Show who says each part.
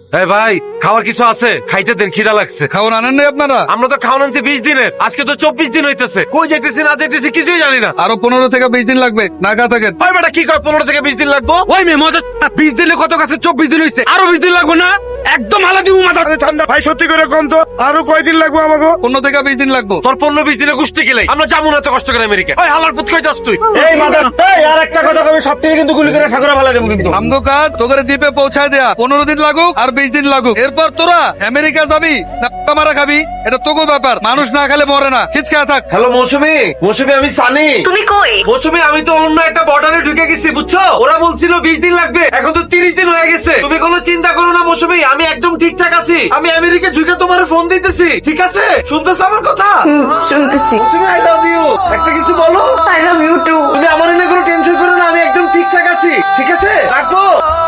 Speaker 1: এই ভাই, খাওয়ার কিছু আছে? খাইতে দেন, খিদা লাগছে।
Speaker 2: খাওয়ান আনেন নাই আপনারা?
Speaker 1: আমরা তো খাওয়ান আনছি 20 দিনের, আজকে তো 24 দিন হইতেছে। কই যাইতেছি না যাইতেছি কিছুই জানি না।
Speaker 2: আরো 15 থেকে 20 দিন লাগবে, নাগা থাকেন।
Speaker 1: ওই বেটা কি কয় 15 থেকে 20 দিন লাগবো?
Speaker 3: ওই মেয়ে মজা 20 দিনে কত কাছে 24 দিন হইছে, আরো 20 দিন লাগবে না? একদম আলাদা দিব মাথা ঠান্ডা। ভাই সত্যি করে কম তো, আরো কয়দিন লাগবে আমাকে?
Speaker 2: 15 থেকে 20 দিন লাগবে।
Speaker 1: তোর 15-20 দিনে কুষ্টি গেলে আমরা যাবো না তো কষ্ট করে আমেরিকা। ওই হালার পুত কই যাস তুই?
Speaker 3: এই মাথা, এই আর একটা কথা কবি, সব থেকে কিন্তু গুলি করে সাগরে ফেলা দেবো কিন্তু।
Speaker 2: আমগো কাজ তোকে দ্বীপে পৌঁছায় দেয়া। 15 দিন লাগুক আর 20 দিন লাগুক, এরপর তোরা আমেরিকা যাবি না মারা খাবি, এটা তোকে ব্যাপার। মানুষ না খেলে মরে না, খিচকা থাক।
Speaker 1: হ্যালো মৌসুমী, মৌসুমী আমি সানি।
Speaker 4: তুমি কই?
Speaker 1: মৌসুমী আমি তো অন্য একটা বর্ডারে ঢুকে গেছি বুঝছো। ওরা বলছিল 20 দিন লাগবে, এখন তো 30 দিন হয়ে গেছে। তুমি কোনো চিন্তা করো না মৌসুমী, আমি একদম ঠিকঠাক আছি। আমি আমেরিকা ঢুকে তোমার ফোন দিতেছি, ঠিক আছে? শুনতেছো আমার কথা?
Speaker 4: শুনতেছি।
Speaker 1: Mousumi I love you. একটা কিছু বলো।
Speaker 4: I love you too.
Speaker 1: তুমি আমার নিয়ে কোনো টেনশন করো না, আমি একদম ঠিকঠাক আছি, ঠিক আছে? রাখবো।